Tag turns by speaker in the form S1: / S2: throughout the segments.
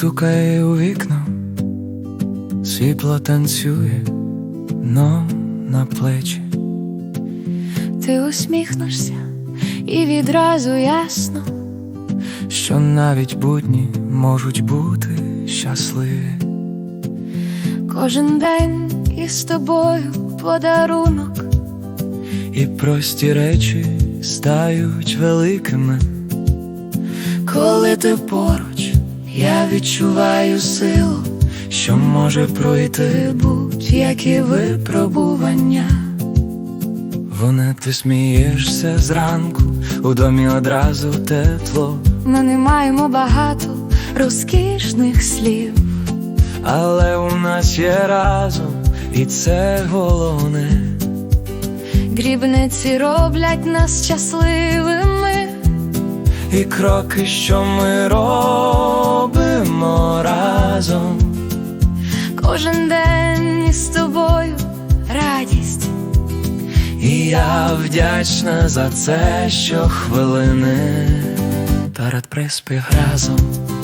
S1: стукає у вікно, світло танцює, но на плечі.
S2: Ти усміхнешся і відразу ясно,
S1: що навіть будні можуть бути щасливі.
S2: кожен день із тобою подарунок,
S1: І прості речі стають великими. Коли ти поруч, я відчуваю силу, що може пройти будь-які випробування. Вона, ти смієшся зранку, у домі одразу тепло.
S2: Ми не маємо багато розкішних слів,
S1: Але у нас є разом, і це головне.
S2: дрібниці роблять нас щасливими,
S1: І кроки, що ми робимо разом.
S2: кожен день із тобою радість.
S1: І я вдячна за це щохвилини перед приспів разом.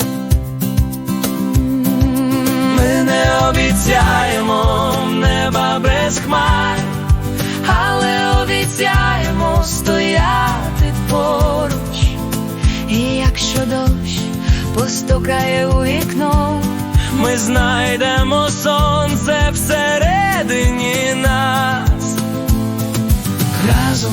S1: Ми не обіцяємо неба без хмар,
S2: Але обіцяємо стояти поруч. І якщо дощ постукає у вікно,
S1: ми знайдемо сонце всередині нас. Разом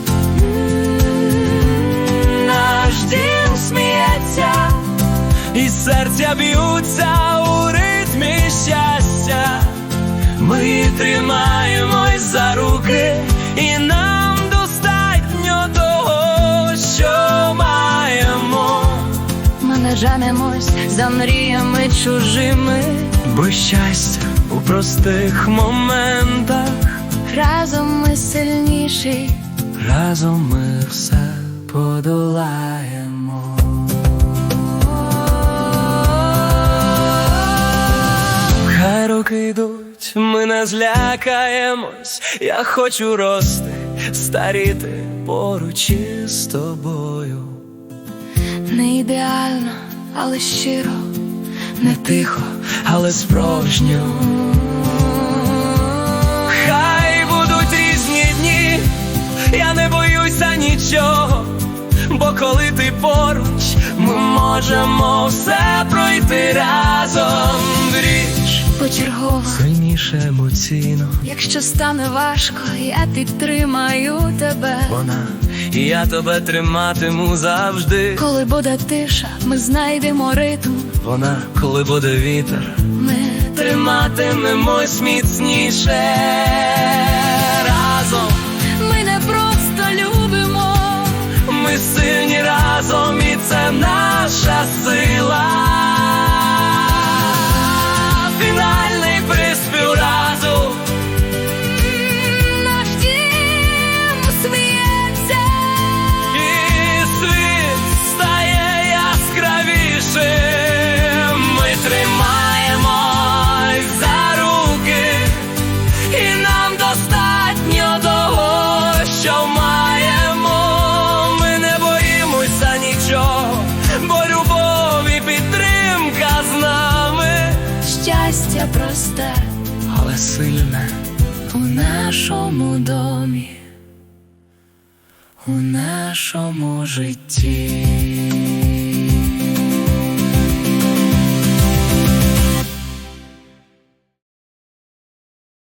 S2: наш дім сміється,
S1: і серця б'ються у ритмі щастя. Ми тримаємось за руки, і нам достатньо того, що маємо.
S2: ми не женемось за мріями чужими.
S1: Бо щастя у простих моментах.
S2: Разом ми сильніші,
S1: Разом ми все подолаємо. Хай роки йдуть, ми не злякаємось. Я хочу рости, старіти поруч із тобою.
S2: не ідеально, але щиро,
S1: Не тихо, але справжньо. Хай будуть різні дні, я не боюся нічого. Бо коли ти поруч, ми можемо все пройти разом. Річ
S2: почергово.
S1: сильніше емоційно.
S2: Якщо стане важко, я підтримаю тебе.
S1: Вона, і я тебе триматиму завжди.
S2: Коли буде тиша, ми знайдемо ритм.
S1: Вона, коли буде вітер,
S2: Ми
S1: триматимемось міцніше. Разом
S2: Ми не просто любимо,
S1: ми сильні разом, і це наша сила. Фінальний приспів разу.
S2: наш дім сміється,
S1: І світ стає яскравішим. Ми тримаємось за руки, і нам достатньо того, що маємо. Ми не боїмося нічого, бо любов і підтримка з нами.
S2: щастя просте
S1: Але сильне
S2: у нашому домі,
S1: у нашому житті.